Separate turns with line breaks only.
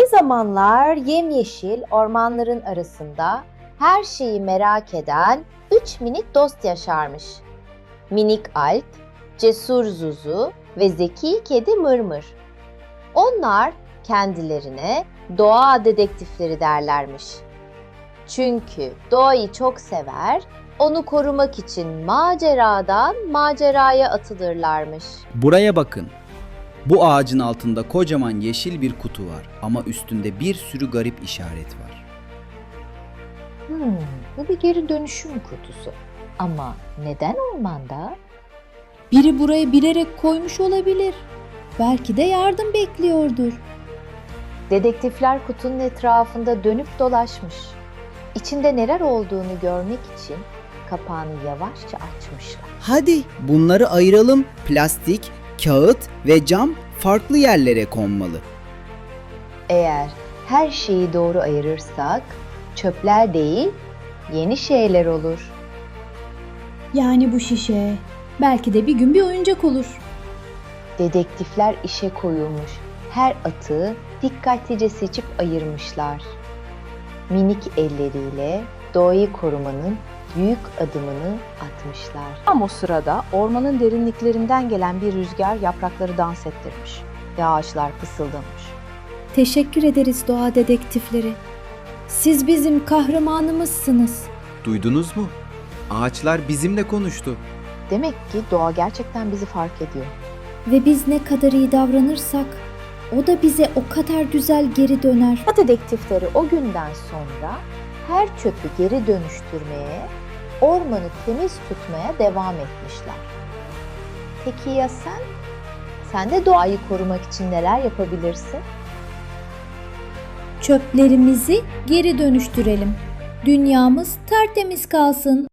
Bir zamanlar yemyeşil ormanların arasında her şeyi merak eden 3 minik dost yaşarmış. Minik Alp, cesur Zuzu ve zeki kedi Mırmır. Onlar kendilerine doğa dedektifleri derlermiş. Çünkü doğayı çok sever, onu korumak için maceradan maceraya atılırlarmış.
Buraya bakın. Bu ağacın altında kocaman yeşil bir kutu var ama üstünde bir sürü garip işaret var.
Bu bir geri dönüşüm kutusu. Ama neden ormanda?
Biri buraya bilerek koymuş olabilir. Belki de yardım bekliyordur.
Dedektifler kutunun etrafında dönüp dolaşmış. İçinde neler olduğunu görmek için kapağını yavaşça açmışlar.
Hadi bunları ayıralım. Plastik, kağıt ve cam farklı yerlere konmalı.
Eğer her şeyi doğru ayırırsak çöpler değil, yeni şeyler olur.
Yani bu şişe belki de bir gün bir oyuncak olur.
Dedektifler işe koyulmuş. Her atığı dikkatlice seçip ayırmışlar. Minik elleriyle doğayı korumanın büyük adımını atmışlar. Tam o sırada ormanın derinliklerinden gelen bir rüzgar yaprakları dans ettirmiş ve ağaçlar fısıldamış.
Teşekkür ederiz doğa dedektifleri. Siz bizim kahramanımızsınız.
Duydunuz mu? Ağaçlar bizimle konuştu.
Demek ki doğa gerçekten bizi fark ediyor.
Ve biz ne kadar iyi davranırsak o da bize o kadar güzel geri döner.
Doğa dedektifleri o günden sonra her çöpü geri dönüştürmeye, ormanı temiz tutmaya devam etmişler. Peki ya sen? Sen de doğayı korumak için neler yapabilirsin?
Çöplerimizi geri dönüştürelim. Dünyamız tertemiz kalsın.